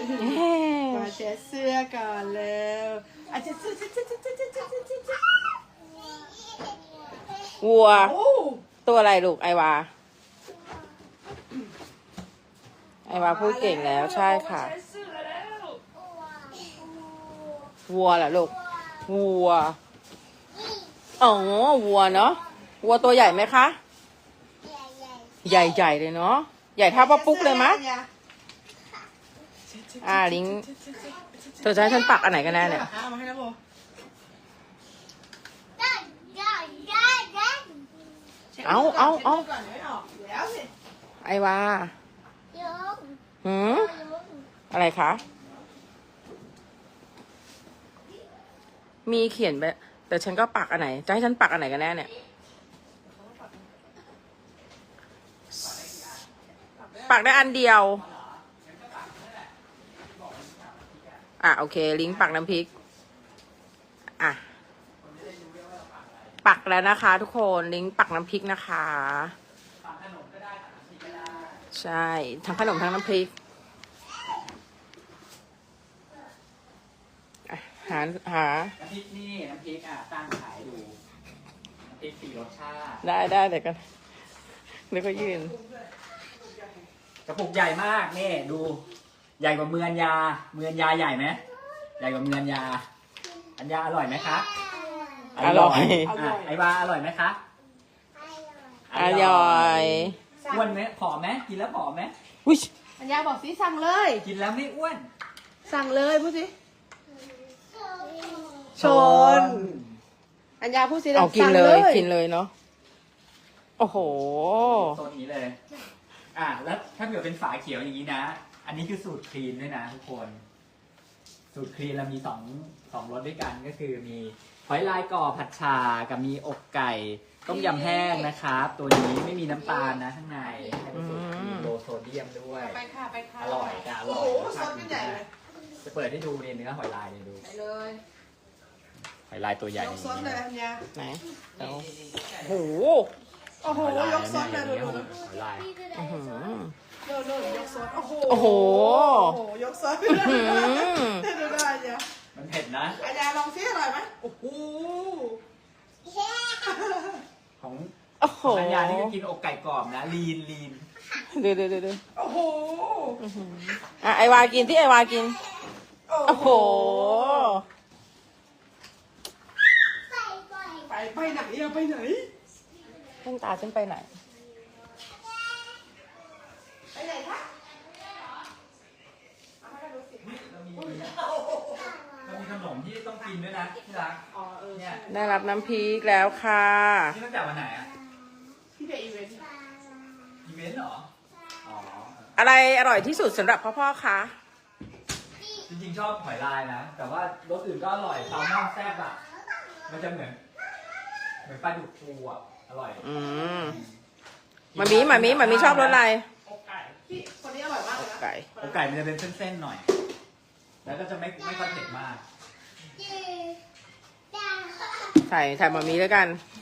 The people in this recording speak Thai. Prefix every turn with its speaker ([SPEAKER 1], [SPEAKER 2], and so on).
[SPEAKER 1] มาเช็ดเสื้อก่อนแล้วอาจจะเสื้อ
[SPEAKER 2] วัวตัวอะไรลูกไอวาพูดเก่งแล้วใช่ค่ะวัวเหรอลูกวัวอ๋อวัวเนาะวัวตัวใหญ่ไหมคะใหญ่เลยเนาะใหญ่เท่าป้าปุ๊กเลยมะลิงเธอจะให้ฉันปักอันไหนกันแน่เนี่ย
[SPEAKER 1] เอามาให้นะโบ
[SPEAKER 2] เอา ไอวาอะไรคะมีเขียนไปแต่ฉันก็ปักอันไหนจะให้ฉันปักอันไหนกันแน่เนี่ยปักได้อันเดียวโอเคลิงก์ปักน้ำพริกปักแล้วนะคะทุกคนลิงก์ปักน้ำพริกนะคะใช่ทั้งขนมทั้งน้ำพริกหา
[SPEAKER 3] น้ำพริกนี่น้ำพริกตั้งขายดูน้ำพริก4 รสชาติ
[SPEAKER 2] ได้เดี๋ยวกันนี่ก็ยืน
[SPEAKER 3] กระปุกใหญ่มากนี่ดูใหญ่กว่าเมือนยาใหญ่ไหมใหญ่กว่าเมือนยาอัญญาอร่อยไหมคะ
[SPEAKER 2] อร่อย
[SPEAKER 3] ไอวาอร่อยไหมคะ
[SPEAKER 2] อร่อย
[SPEAKER 3] อ้วนไหมผอมไหมกินแล้วผอมไหม
[SPEAKER 1] อัญญาบอกสิสั่งเลย
[SPEAKER 3] กินแล้วไม่อ้วน
[SPEAKER 1] สั่งเลยพูดสิชนอัญญาพูดสิ
[SPEAKER 2] เอากินเลยเนาะโอ้โห
[SPEAKER 3] โซนนี้เลยแล้วถ้าเกิดเป็นฝาเขียวอย่างนี้นะอันนี้คือสูตรคลีนด้วยนะทุกคนสูตรคลีนเรามีสองรสด้วยกันก็คือมีหอยลายก่อผัดชากับมีอกไก่ต้มยำแห้งนะครับตัวนี้ไม่มีน้ำตาลนะข้างในเป็นสูตรคลีนโลโซเดียมด้วย
[SPEAKER 1] ไปค่ะ
[SPEAKER 3] อร่อยอร่อย
[SPEAKER 1] โอ้โหซอสใหญ่เลย
[SPEAKER 3] จะเปิดให้ดูเนื้อหอยลายดู
[SPEAKER 1] ไปเลย
[SPEAKER 3] หอยลายตัวใหญ่
[SPEAKER 1] ยกซดเลยอัญญา
[SPEAKER 2] ไหนโอ้
[SPEAKER 1] โหยกซดเลยดู
[SPEAKER 3] หอยลาย
[SPEAKER 1] ยกซด
[SPEAKER 2] โอ้โห
[SPEAKER 1] ยกซดดูได้อัญญา
[SPEAKER 3] มันเผ็ดนะ
[SPEAKER 1] อัญญาลองซิอร่อยไหมโอ้โห
[SPEAKER 3] ของอัญญานี่ก็กินอกไก่กรอบนะลีน
[SPEAKER 2] ดู
[SPEAKER 1] โอ้โห
[SPEAKER 2] ไอวากินที่ไอวากินโอ้โห
[SPEAKER 1] ไปไหนไปไหน
[SPEAKER 2] เส้นตาฉันไปไหน
[SPEAKER 1] คะ
[SPEAKER 3] เรามีขนมที่ต้องกินด้วยนะที่รักเนี่ย
[SPEAKER 2] ได้รับน้ำพริกแล้วค่ะ
[SPEAKER 3] นี่ตั้งแต่วันไหน
[SPEAKER 1] พี่เบย์อีเวน
[SPEAKER 3] ต์เหรอ
[SPEAKER 2] อะไรอร่อยที่สุดสำหรับพ่อคะ
[SPEAKER 3] จริงๆชอบหอยลายนะแต่ว่ารสอื่นก็อร่อยแซลมอนแซ่บมันจะเหมือนปลาดุกฟูอร่อย
[SPEAKER 2] มามีชอบรสอะไร
[SPEAKER 1] อกไก่พี่คนนี้อร่อยมากเลยนะ
[SPEAKER 3] อกไก่มันจะเป็นเส้นๆหน่อยแล้วก็จะไม่ค่อยเผ็ดมาก
[SPEAKER 2] ใส่มามีแล้วกัน